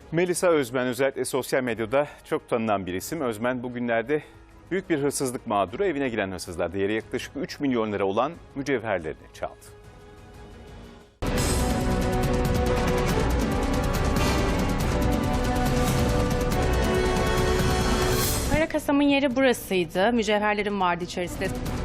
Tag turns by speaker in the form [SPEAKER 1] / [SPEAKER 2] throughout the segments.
[SPEAKER 1] Melisa Özmen özellikle sosyal medyada çok tanınan bir isim. Özmen bugünlerde büyük bir hırsızlık mağduru. Evine giren hırsızlar değeri yaklaşık 3 milyon lira olan mücevherlerini çaldı.
[SPEAKER 2] Para kasamın yeri burasıydı. Mücevherlerim vardı içerisinde.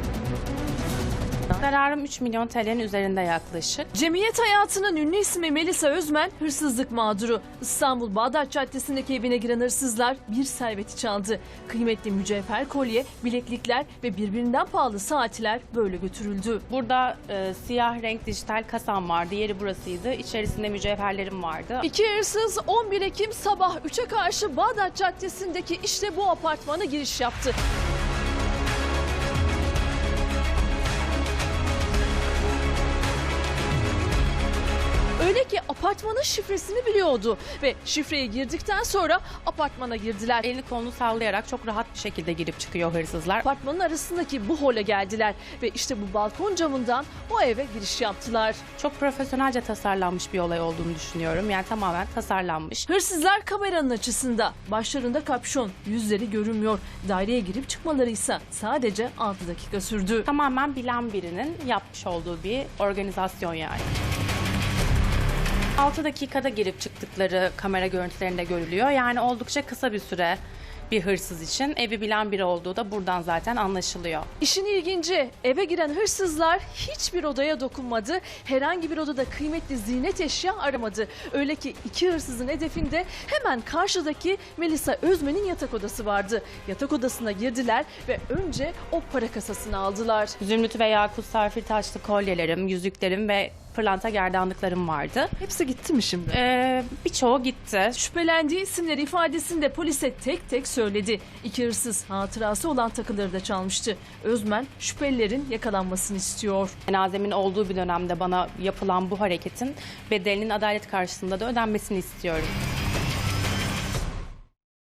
[SPEAKER 2] Zararım 3 milyon TL'nin üzerinde yaklaşık.
[SPEAKER 3] Cemiyet hayatının ünlü ismi Melisa Özmen hırsızlık mağduru. İstanbul Bağdat Caddesi'ndeki evine giren hırsızlar bir serveti çaldı. Kıymetli mücevher kolye, bileklikler ve birbirinden pahalı saatler böyle götürüldü.
[SPEAKER 2] Burada siyah renk dijital kasam vardı. Yeri burasıydı. İçerisinde mücevherlerim vardı.
[SPEAKER 3] İki hırsız 11 Ekim sabah 3'e karşı Bağdat Caddesi'ndeki işte bu apartmana giriş yaptı. Öyle ki apartmanın şifresini biliyordu ve şifreye girdikten sonra apartmana girdiler.
[SPEAKER 2] Elini kolunu sallayarak çok rahat bir şekilde girip çıkıyor hırsızlar.
[SPEAKER 3] Apartmanın arasındaki bu hole geldiler ve işte bu balkon camından o eve giriş yaptılar.
[SPEAKER 2] Çok profesyonelce tasarlanmış bir olay olduğunu düşünüyorum. Yani tamamen tasarlanmış.
[SPEAKER 3] Hırsızlar kameranın açısında, başlarında kapşon, yüzleri görünmüyor. Daireye girip çıkmaları ise sadece 6 dakika sürdü.
[SPEAKER 2] Tamamen bilen birinin yapmış olduğu bir organizasyon yani. 6 dakikada girip çıktıkları kamera görüntülerinde görülüyor. Yani oldukça kısa bir süre bir hırsız için evi bilen biri olduğu da buradan zaten anlaşılıyor.
[SPEAKER 3] İşin ilginci, eve giren hırsızlar hiçbir odaya dokunmadı. Herhangi bir odada kıymetli ziynet eşya aramadı. Öyle ki iki hırsızın hedefinde hemen karşıdaki Melisa Özmen'in yatak odası vardı. Yatak odasına girdiler ve önce o para kasasını aldılar.
[SPEAKER 2] Zümrüt ve yakut sarfil taşlı kolyelerim, yüzüklerim ve pırlanta gerdanlıklarım vardı.
[SPEAKER 3] Hepsi gitti mi şimdi?
[SPEAKER 2] Birçoğu gitti.
[SPEAKER 3] Şüphelendiği isimleri ifadesinde polise tek tek söyledi. İki hırsız hatırası olan takıları da çalmıştı. Özmen şüphelilerin yakalanmasını istiyor.
[SPEAKER 2] Cenazemin olduğu bir dönemde bana yapılan bu hareketin bedelinin adalet karşısında da ödenmesini istiyorum.